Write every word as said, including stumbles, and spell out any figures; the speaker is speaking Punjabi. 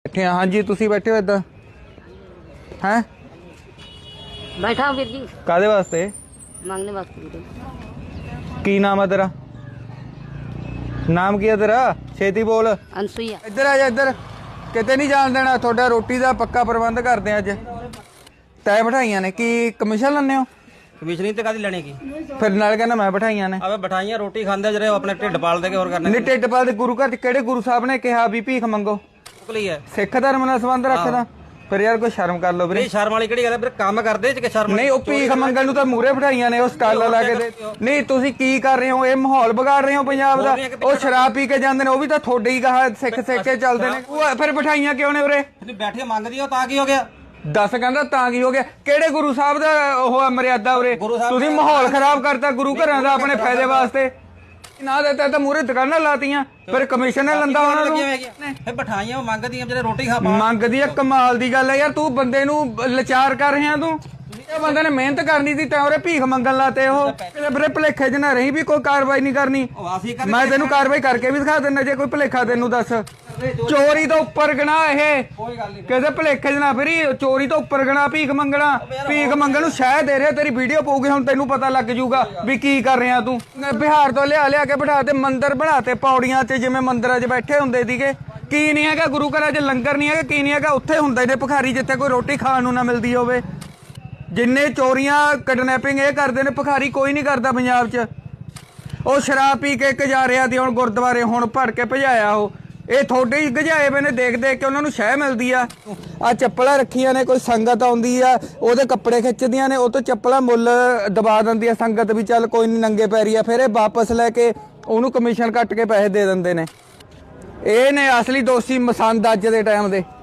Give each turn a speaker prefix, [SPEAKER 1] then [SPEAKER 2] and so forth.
[SPEAKER 1] बैठे हाँ जी तुसी बैठे हो इधर हैं
[SPEAKER 2] बैठा हूँ वीर जी
[SPEAKER 1] कादे वास्ते
[SPEAKER 2] मांगने वास्ते वीर।
[SPEAKER 1] की नाम है तेरा नाम की है तेरा छेती बोल
[SPEAKER 2] अनसुईया
[SPEAKER 1] इधर आ जा इधर किते नहीं जान देना थोड़ा रोटी का पक्का प्रबंध करते हैं अज तय बिठाइया ने की कमीशन लैने हो
[SPEAKER 3] कमीशन ही तो कादी लेने की
[SPEAKER 1] फिर नाल कहना मैं बिठाइया ने
[SPEAKER 3] अबे बिठाइयां रोटी खांदे जरे अपने ढिड पाल दे के और करने
[SPEAKER 1] नहीं ढिड पाल दे गुरु घर किहड़े गुरु साहब ने कहा भी भीख मंगो
[SPEAKER 3] ਲਈ ਹੈ
[SPEAKER 1] सिख धर्म नाल संबंध रखदा फिर यार कोई शर्म कर लो वीरे
[SPEAKER 3] नहीं शर्म वाली ਕਿਹੜੀ ਗੱਲ ਹੈ ਫਿਰ ਕੰਮ ਕਰਦੇ ਚ ਕਿ ਸ਼ਰਮ
[SPEAKER 1] नहीं ਉਹ ਭੀਖ ਮੰਗਣ ਨੂੰ ਤਾਂ ਮੂਰੇ ਬਿਠਾਈਆਂ ਨੇ ਉਹ ਸਟਾਲਾਂ ਲਾ ਕੇ ਦੇ ਨਹੀਂ ਤੁਸੀਂ ਕੀ ਕਰ ਰਹੇ ਹੋ ਇਹ ਮਾਹੌਲ ਵਿਗਾੜ ਰਹੇ ਹੋ ਪੰਜਾਬ ਦਾ ਉਹ ਸ਼ਰਾਬ ਪੀ ਕੇ ਜਾਂਦੇ ਨੇ ਉਹ ਵੀ ਤਾਂ ਤੁਹਾਡੇ ਹੀ ਕਹਾ ਸਿੱਖ ਸਿੱਖ ਕੇ ਚੱਲਦੇ ਨੇ ਉਹ ਫਿਰ ਬਿਠਾਈਆਂ ਕਿਉਂ ਨੇ ਉਰੇ
[SPEAKER 3] ਤੁਸੀਂ ਬੈਠੇ ਮੰਗਦੀ ਹੋ ਤਾਂ ਕੀ ਹੋ ਗਿਆ
[SPEAKER 1] ਦੱਸ ਕਹਿੰਦਾ ਤਾਂ ਕੀ ਹੋ ਗਿਆ ਕਿਹੜੇ ਗੁਰੂ ਸਾਹਿਬ ਦਾ ਉਹ ਆ ਮਰਿਆਦਾ ਉਰੇ ਤੁਸੀਂ ਮਾਹੌਲ ਖਰਾਬ ਕਰਤਾ ਗੁਰੂ ਘਰਾਂ ਦਾ ਆਪਣੇ ਫਾਇਦੇ ਵਾਸਤੇ ਨਾ ਦਿੱਤਾ ਤਾਂ ਮੂਰੇ ਦੁਕਾਨਾਂ ਲਾਤੀਆਂ ਫਿਰ ਕਮਿਸ਼ਨ ਨੇ ਲੰਦਾ ਉਹਨਾਂ ਨੂੰ
[SPEAKER 3] ਫਿਰ ਬਿਠਾਈਆਂ ਉਹ ਮੰਗਦੀਆਂ ਜਿਹੜੇ ਰੋਟੀ ਖਾ
[SPEAKER 1] ਮੰਗਦੀ ਆ ਕਮਾਲ ਦੀ ਗੱਲ ਹੈ ਯਾਰ ਤੂੰ ਬੰਦੇ ਨੂੰ ਲਾਚਾਰ ਕਰ ਰਿਹਾ ਤੂੰ ਇਹ ਬੰਦੇ ਨੇ ਮਿਹਨਤ ਕਰਨੀ ਸੀ ਤਾਂ ਉਹਰੇ ਭੀਖ ਮੰਗਣ ਲਾਤੇ ਉਹ ਵੀਰੇ ਭਲੇਖੇ ਚ ਨਾ ਰਹੀ ਵੀ ਕੋਈ ਕਾਰਵਾਈ ਨਹੀਂ ਕਰਨੀ ਮੈਂ ਤੈਨੂੰ ਕਾਰਵਾਈ ਕਰਕੇ ਵੀ ਦਿਖਾ ਦਿੰਦਾ ਜੇ ਕੋਈ ਭਲੇਖਾ ਤੈਨੂੰ ਦੱਸ ਚੋਰੀ ਤੋਂ ਉੱਪਰ ਗਣਾ ਇਹ ਕਿਸੇ ਭਲੇਖੇ ਚ ਨਾ ਫਿਰੀ ਚੋਰੀ ਤੋਂ ਉੱਪਰ ਗਣਾ ਭੀਖ ਮੰਗਣਾ ਭੀਖ ਮੰਗਣ ਨੂੰ ਸ਼ਾਇਦ ਦੇ ਰਿਹਾ ਤੇਰੀ ਵੀਡੀਓ ਪਾਉਗੀ ਹੁਣ ਤੈਨੂੰ ਪਤਾ ਲੱਗ ਜੂਗਾ ਵੀ ਕੀ ਕਰ ਰਿਹਾ ਤੂੰ ਬਿਹਾਰ ਤੋਂ ਲਿਆ ਲਿਆ ਕੇ ਬਿਠਾ ਤੇ ਮੰਦਿਰ ਬਣਾਤੇ ਪੌੜੀਆਂ 'ਚ ਜਿਵੇਂ ਮੰਦਿਰਾਂ 'ਚ ਬੈਠੇ ਹੁੰਦੇ ਸੀਗੇ ਕੀ ਨਹੀਂ ਹੈਗਾ ਗੁਰੂ ਘਰਾਂ 'ਚ ਲੰਗਰ ਨਹੀਂ ਹੈਗਾ ਕੀ ਨਹੀਂ ਹੈਗਾ ਉੱਥੇ ਹੁੰਦੇ ਨੇ ਭਿਖਾਰੀ ਜਿੱਥੇ ਕੋਈ ਰੋਟੀ ਖਾਣ ਨੂੰ ਨਾ ਮਿਲਦੀ ਹੋਵੇ ਜਿੰਨੇ ਚੋਰੀਆਂ ਕਿਡਨੈਪਿੰਗ ਇਹ ਕਰਦੇ ਨੇ ਭਿਖਾਰੀ ਕੋਈ ਨਹੀਂ ਕਰਦਾ ਪੰਜਾਬ 'ਚ ਉਹ ਸ਼ਰਾਬ ਪੀ ਕੇ ਗਜਾਰਿਆ ਦੀ ਹੁਣ ਗੁਰਦੁਆਰੇ ਹੁਣ ਭੜ ਕੇ ਭਜਾਇਆ ਉਹ ਇਹ ਥੋੜੇ ਹੀ ਗਜਾਏ ਪਏ ਨੇ ਦੇਖ ਦੇਖ ਕੇ ਉਹਨਾਂ ਨੂੰ ਸ਼ਹਿ ਮਿਲਦੀ ਆ ਆ ਚੱਪਲਾਂ ਰੱਖੀਆਂ ਨੇ ਕੋਈ ਸੰਗਤ ਆਉਂਦੀ ਆ ਉਹਦੇ ਕੱਪੜੇ ਖਿੱਚਦੀਆਂ ਨੇ ਉਹ ਤੋਂ ਚੱਪਲਾਂ ਮੁੱਲ ਦਬਾ ਦਿੰਦੀ ਆ ਸੰਗਤ ਵੀ ਚੱਲ ਕੋਈ ਨਹੀਂ ਨੰਗੇ ਪੈਰੀ ਆ ਫਿਰ ਇਹ ਵਾਪਸ ਲੈ ਕੇ ਉਹਨੂੰ ਕਮਿਸ਼ਨ ਕੱਟ ਕੇ ਪੈਸੇ ਦੇ ਦਿੰਦੇ ਨੇ ਇਹ ਨੇ ਅਸਲੀ ਦੋਸ਼ੀ ਮਸੰਦ ਅੱਜ ਦੇ ਟਾਈਮ ਦੇ।